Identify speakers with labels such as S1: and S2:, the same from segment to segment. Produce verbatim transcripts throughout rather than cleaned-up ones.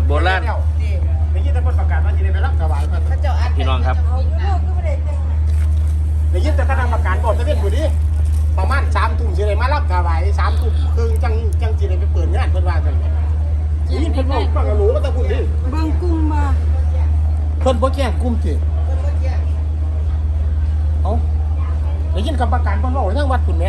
S1: โบราณ
S2: ได้ยินแต่คนประกาศว่าจะได้ไปรับถวายมัน
S1: พี่น้องครับ
S2: ได้ยินแต่คณะกรรมการบอกจะเล่นอยู่ดิประมาณสามทุ่มจะได้มารับถวายสามทุ่มครึ่งจังจังจะได้ไปเปิดงานเพิ่นว่าจังนี่เพิ่นบอกฟังรู้ว่าตะกุ่นดิ
S3: เบิ่งกุ้งมา
S2: เพิ่นบ่แจ้งกลุ่มสิเอ้าได้ยินกรรมการเพิ่นบอกทั้งวัดพุ่นแหม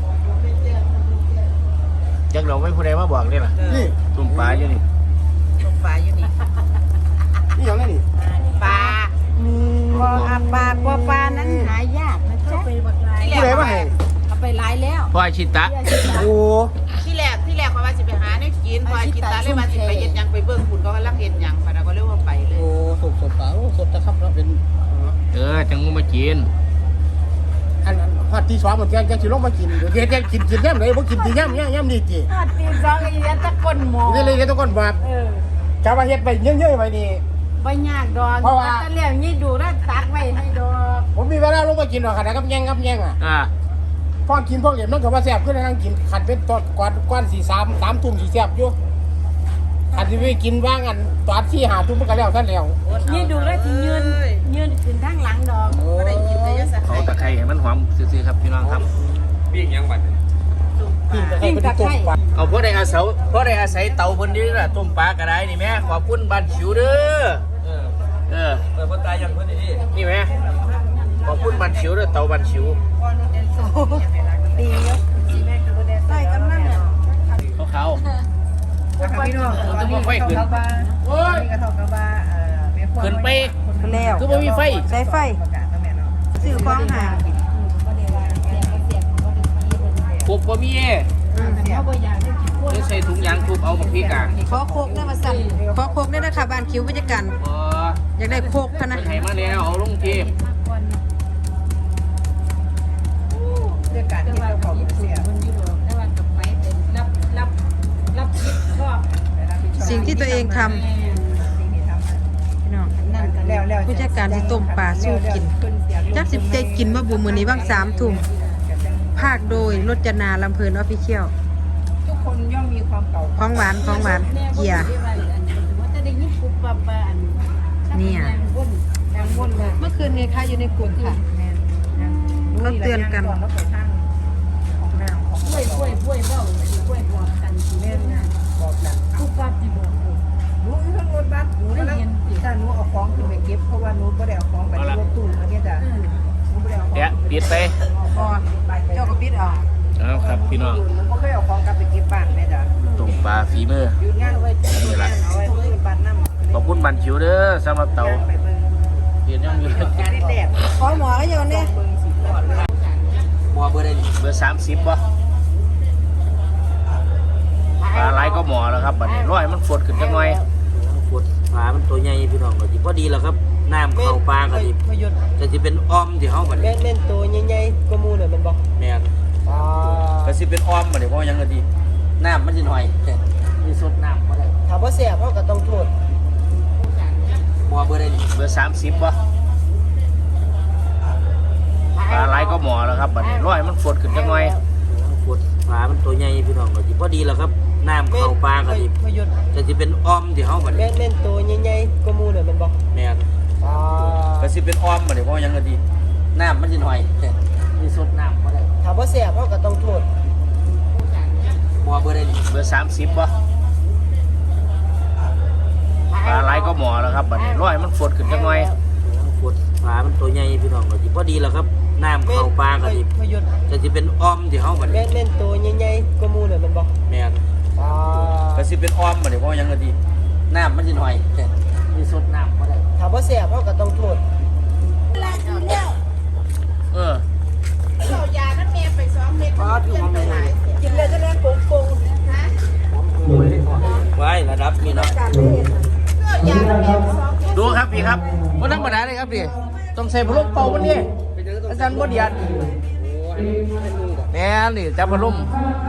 S1: จักเราไม่ผู้ใดมาบอกนี่ล่ะ
S2: นี่
S1: ตุ่มปลาอยู่นี่
S3: ตุ่มปลาอยู่นี่
S2: นี่อย่างไรนี่
S3: ปลาบ่อาปลาบ่ปลานั้นหายากนะจ๊ะไปบักหลาย
S2: ผู้ใดมาให้
S3: เอาไปหลายแล้ว
S1: พ่อชิตะ
S2: โอ้
S4: ที่แรกที่แรกเขาว่าสิไปหาเนี่ยกินพอกินตาเลยว่าสิไปเฮ็ดหยังไปเบิ่งคุณก็กำลังเฮ็ดหยังพะนะก็เลยว่าไปเลย
S2: โอ้สดสดเปล่าสดนะครับเราเป็น
S1: เออจังมากิน
S2: อันฮอดที่สองมันแกงแกงสิลงมากินเดี๋ยวแกงกินกินแย่มเลยบ่กินที่ย่ำย่ำย่ำนี่ติ
S3: ฮอดตีสองอีเฮ็ดตะก้นหมอ
S2: นี่เลยทุกคนว่า
S3: เออ
S2: จะว่าเฮ็ดไปเยอะๆไว้นี่
S3: บ่ยากดอกเพราะว่าตะเลี้ยงนี่ดูแล้วตักไว้ให้ดอก
S2: ผมมีเวลาลงมากินหรอกขนาดกับแย่งกับแย่งอ่ะ
S1: อ่า
S2: พอกินพวกเหลี่ยมนั่นก็ว่าแซ่บขึ้นนั่งกินขันเป็นตอนก่อนก่อนสี่สามสามทุ่มสี่แซ่บอยู่ขันที่ไปกินว่างอันตอนที่หาทุ่มมันก็แล้วท่านแล้ว
S3: นี่ดูแล้วที่ยืนยืนขึ้นทางหลังดอก
S4: ก็ได้กินได้ยะสัก
S1: เขาตะไคร้ให้มันหอมซื่อๆครับพี่น้องครับ
S5: ปิ้งยังบัด
S2: ปิ้งตะไคร้
S1: เอาพวกได้อาศัยพวกได้อาศัยเตาบนนี้ล่ะต้มปลากระไดนี่แม่ขอบคุณบ้านชิวเด้อ
S5: เออ
S1: เออ
S5: เปิดคนตายยังคนนี้
S1: นี่แม่ขอบคุณบ้านชิวเด้อเตาบ้านชิว
S3: ดีเนาะใส่กันนั่นเนี่ย
S1: เขาเขา
S3: พี่น้อง
S1: ต้องมาไฟขึ้น
S3: โอ้ยกระทงกระบะ
S1: ขึ้นไป
S3: แล้ว
S1: คือไม่มีไฟ
S3: ใช้ไฟซื้อของหา
S1: ปุ๊บก็มีใส่ถุงยางปุ๊บเอามาพี่กาง
S3: ขอโคกได้มาสั่งขอโคกได้นะคะบ้านคิ้ววิจกันอยากได้โคกพนะ
S1: ไถมาแล้วเอาลงเก็บ
S3: เรื่องการที่เราขอเสียสิ่งที่ตัวเองทำผู้จัดการที่ต้มปลาสู้กินจักสิบใจกินมาบุมือนี้บ้างสามทุ่มภาคโดยรจนาลำเพลินออฟฟิเชียลทุกคนย่อมมีความเก่าของหวานของหวานเกียร์เนี่ยเมื่อคืนไงคะอยู่ในกลุ่มค่ะเราเตือนกันป่วยป่วยป่วยเบ้าป่วยบอกกันแม่นะบอกกันทุกบ้านที่บอกหนูอยู่ทั้งรถบัสหนูได้ยินถ้าหนูเอาของขึ้นไปเก็บเพราะว่าหนูไม่ได้เอาของไปรถตู้เมื่อกี้จ้ะหนูไม่ได้เอาของ
S1: เดี๋ยวปิดไป
S3: พอเจ้าก็ปิดออก
S1: เอาครับพี่น้อง
S3: ไม่เคยเอาของกลับไปเก็บบ้านแม่จ้ะ
S1: ต้มปลาฝีมือ
S3: หยุดงานไว้นี่แหละเอาไว้ที่บ้านน้ำ
S1: ขอบคุณบ้านชิวเด้อสำหรับเตาเห็นยังอยู่
S3: ขอหมอก็โยนเนี่ย
S1: หมอเบอร์ได้เบอร์สามสิบป่ะปลาไหลก็หมอแล้วครับบัดนี้ร้อยมันฝดขึ้นจังหน่อยฝดปลามันตัวใหญ่พี่น้องก็ดีพอดีแล้วครับน้ำเข้าปลาก็ดีจะจะเป็นอ้อมที่เขาบัดนี้
S3: แม่นตัวใหญ่ๆก็มูเนี่ยมันบอก
S1: แม่นก็สิเป็นอ้อมบัดนี้เพราะยังก็ดีน้ำมันสิหน่อยมีสดน้ำก็ได้
S3: ถามว่าเสียเพราะก็ต้องโทษ
S1: หมอเบอร์ได้เบอร์สามสิบป่ะปลาไหลก็หมอแล้วครับบัดนี้ร้อยมันฝดขึ้นจังหน่อยฝดปลามันตัวใหญ่พี่น้องก็ดีพอดีแล้วครับน้ำเข้าปลาก็ดีจะจะเป็นอ้อมที่เขาบัดนี้
S3: แม่นตัวใหญ่ๆก็มูเนี่ยมันบอก
S1: แม่นก็สิเป็นอ้อมบัดนี้เพราะยังก็ดีน้ำมันสิหน่อยมีสดน้ำก็ได้
S3: ถามว่าเสียเพราะก็ต้องโทษ
S1: หมอเบอร์ได้เบอร์สามสิบป่ะปลาไหลก็หมอแล้วครับบัดนี้ร้อยมันฝดขึ้นจังหน่อยฝดปลามันตัวใหญ่พี่น้องก็ดีพอดีแล้วครับน้ำเข้าปลาก็ดีจะจะเป็นอ้อมที่เขาบัดนี้
S3: แม่นตัวใหญ่ๆก็มูเนี่ยมันบอก
S1: แม่นก็สิเป็นอ้อมบัดนี้เพราะยังก็ดีน้ำมันสิหน่อยมีสดน้ำก็ได้
S3: ถามว่าเสียเพราะก็ต้องโทษ
S1: เออ
S4: เอายานั้นเมียไปซ้อมเม็ดกินไปหลาย
S3: กินเลยจะได้โกงโกงฮะ
S1: ไว้ระดับนี้เนาะดูครับพี่ครับวันธรรมดาเลยครับพี่ต้องใส่พัดลมเป่าวันนี้อาจารย์บ่เดียดแน่นี่จับพัดลม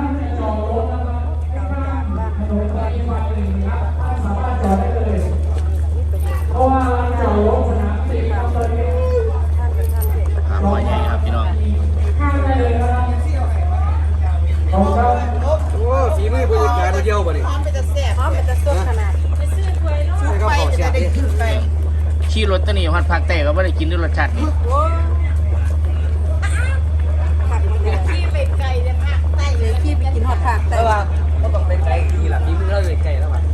S1: หาหอยใหญ่ครับพี่น้อง
S5: โอ้ฝีมือผู้จัดการเดียวบ่นี่
S4: พร้อมไปจะแซ่บ
S3: พร้อมไปจะสดขนาดไปซื้อถ้วยโล
S1: ขี่รถตะนี่ฮอดภาคใต้ก็บ่ได้กินด้วยรสชาตินี่
S4: ที่ไปไกลเลยภาคใต้เลย
S3: ขี้ไปกินฮอดภาคใต้
S5: แต่ว่าก็ต้องเป็นไก่ดีล่ะนี่มึงเล่าเลยไก่แล้วว่ะ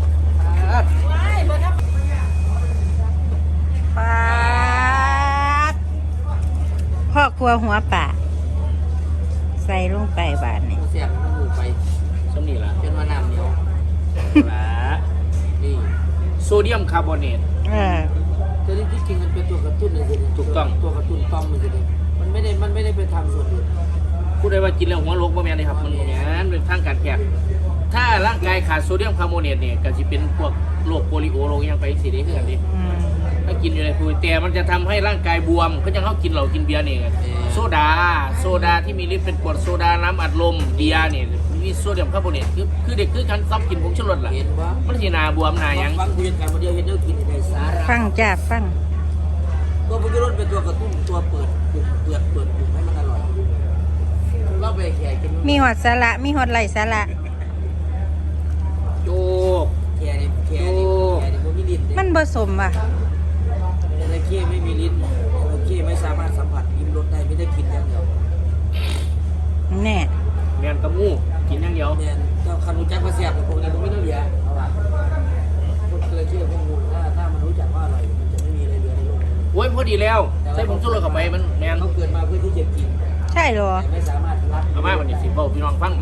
S3: ปาดพ่อครัวหัวป่าใส่ลงไปบาดนี่
S1: เสียบมันหูไปซ้ำนี่ล่ะเป็นว่าน้ำเหนียวล่ะนี่โซเดียมคาร์บอเนต
S3: เออ
S1: แต่ที่จริงมันเป็นตัวกระตุ้นเลยสิถูกต้องตัวกระตุ้นต้อมมันสิมันไม่ได้มันไม่ได้ไปทำส่วนอื่นพูดได้ว่ากินแล้วหัวโรคบ่แม่นเลยครับมันบ่แม่นเป็นทางการแพทย์ถ้าร่างกายขาดโซเดียมคาร์บอเนตเนี่ยก็สิเป็นพวกโรคโปลิโอโรคยังไปสิได้คือกันดิ
S3: อืม
S1: ถ้ากินอยู่ในภูแต่มันจะทำให้ร่างกายบวมก็จะเขากินเหล้ากินเบียร์นี่ไงโซดาโซดาที่มีฤทธิ์เป็นกรดโซดาน้ำอัดลมเบียร์นี่มีโซเดียมคาร์บอเนตคือคือเด็กคือการซ้ำกินผงชูรสล่ะเห็นว่ามันสิหนาบวมหนาหยังฟังคุยกันมาเดียวเห็นเด้อกินได้สาระ
S3: ฟังจ้าฟัง
S1: ตัวผงชูรสเป็นตัวกระตุ้นตัวเปิดปุ่มเปิดเปิดปุ่มให้มันอร่อยเราไปแข่กิน
S3: มีหอดสาระมีหอดไหลสาระ
S1: โจกแข่นี่แข่นี่แข่นี่บ่มีลิ้น
S3: มันผสมว่ะ
S1: จระเข้ไม่มีลิ้นจระเข้ไม่สามารถสัมผัสลิ้มรสได้ไม่ได้กินอย่างเดียว
S3: แน่
S1: แมนกระมูกินอย่างเดียวแมนเจ้าคันรู้จักว่าแซ่บพวกนี้มันไม่ต้องเหลือเอาล่ะพวกจระเข้พวกงูถ้าถ้ามันรู้จักว่าอร่อยมันจะไม่มีอะไรเหลือในโลกโอ้ยพอดีแล้วใส่ผงชูรสเข้าไปมันแมนเขาเกิดมาเพื่อที่จะกิน
S3: ใช่เหรอ
S1: แต่ไม่สามารถรับเอามาวันนี้สิเบ้าพี่น้องฟัง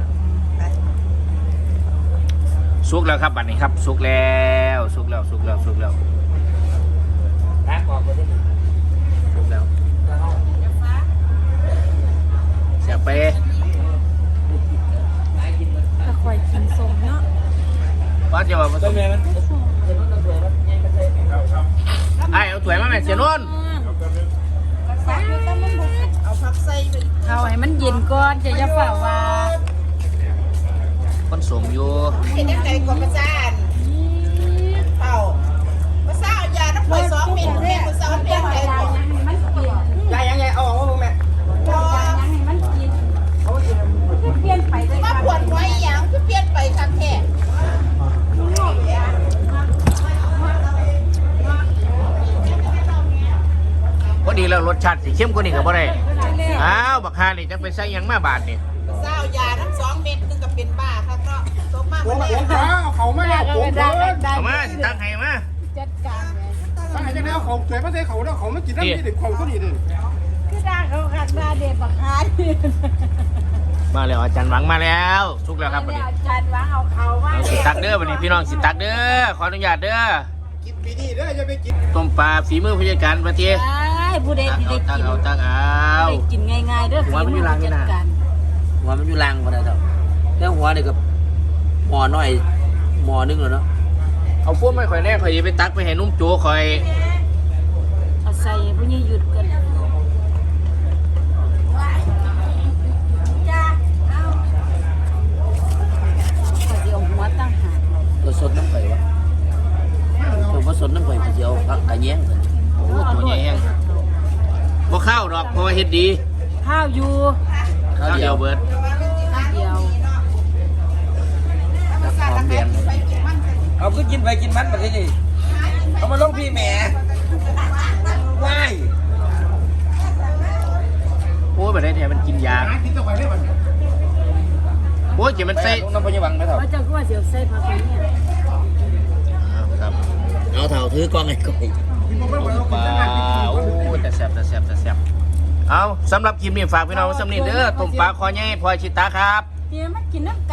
S1: สุกแล้วครับบัดนี้ครับสุกแล้วสุกแล้วสุกแล้วสุกแล้วตากออกก็ได้สุกแล้วเสียไป
S3: ถ้าคอยกินสมเนาะ
S1: ว่าจะว่ามันต้องแม่มันไอ้เอาถ้วยมาแม่เสียนน
S4: เอาผักใส่ไป
S3: เอาให้มันเย็นก่อนจะอย่าฝ่าว่า
S1: คนสมอยู่
S4: เห็นยังไงกว่าประจานเต่าภาษาเอายาน้ำปล่อยสองเม็ดแม่ภาษาเปลี่ยนใจก่อน
S2: ยายยังไงเอาออกมาแม่
S4: พอมาปวดไว้อย่างคือเปลี่ยนไปทันแท้
S1: พอดีแล้วรสชาติสีเข้มกว่านี้ก็บ่ได้อ้าวบักฮานี่จะไปใส่หยังมาบาทนี่
S4: ภาษาเอายาน้ำสองเม็ดนึงก็เป็นบ้าครับเนาะตกมาก
S2: โอ้
S4: มา
S2: โห
S4: แล้ว
S2: เอาเขาไม่เอาผมเลย
S1: เอามาสิตักให้มา
S2: ถ้าให้จะได้เอาเขาสวยมาใส่เขาแล้วเขาไม่กินน้ำนี่เด็กเขาก็ดีเลย
S3: คือด่าเขาขัดมาเด็ดบักฮา
S1: มาแล้วอาจารย์หวังมาแล้วสุกแล้วครับวันนี้
S3: อาจารย์ว่าเอาเขาว่า
S1: เอาสิตักเด้อวันนี้พี่น้องสิตักเด้อขออนุญาตเด้อ
S2: กินปีนี้เด้ออย่าไปกิน
S1: ต้มปลาฝีมือผู้จัดการประเทศ
S3: ใช่ผู้ใด
S1: ตัก
S3: ที่
S1: เอา
S3: ได้
S1: ตัก
S3: กิน
S1: เอาตักเอา
S3: ได้กินง่ายๆเด้อ
S1: หัวมันอยู่หลังนี่นะ
S3: จัดการ
S1: หัวมันอยู่ล่างพอได้เท่าแล้วหัวนี่กับหมอน้อยหมอนึงแล้วเนาะเอาพวกไม่ค่อยแน่ค่อยไปตักไปให้นุ่มโจค่อย
S3: เอาใส่ผู้นี้หยุดกันจ้าเอาขอเดี๋ยวหัวตั้งหาก
S1: ตัวสดน้ำไข่วะตัวผสมน้ำไข่ผู้เดียวผักกระแยงโอ้ตัวใหญ่แห้งบ่ข้าวดอกเพราะว่าเฮ็ดดี
S3: ข้าวอยู่
S1: ข้าวเดียวเบิด
S3: ข้าวเดียว
S1: หอมแดง
S5: เอาก็กินไปกินมันแบบนี้เอามาลงพี่แหม่ว้าย
S1: โอ้ยแบบนี้เนี่ยมันกินยา
S2: หากินตะไคร้ได้บ้าง
S1: โอ้ยเดี๋ยวมัน
S5: ไป
S1: ใส่
S5: ลงน้ำพยาบังไหมเถอะ
S3: ว่าเจ้าก็ว่าเสียวใส่ผักเนี่ย
S1: ครับเอาเถาถือกล้องไอ้ก้อย
S2: กินมาเมื่อวันเรา
S1: ป
S2: กิน
S1: ลา
S2: จะนั่งกิน
S1: โอ้ยแต่แซ่บแต่แซ่บแต่แซ่บเอาสำหรับคลิปนี้ฝากพี่น้องไว้สำนีเด้อต้มปลาคอใหญ่พลอยชิตาครับ
S3: เดี๋ยวมันกินน้ำ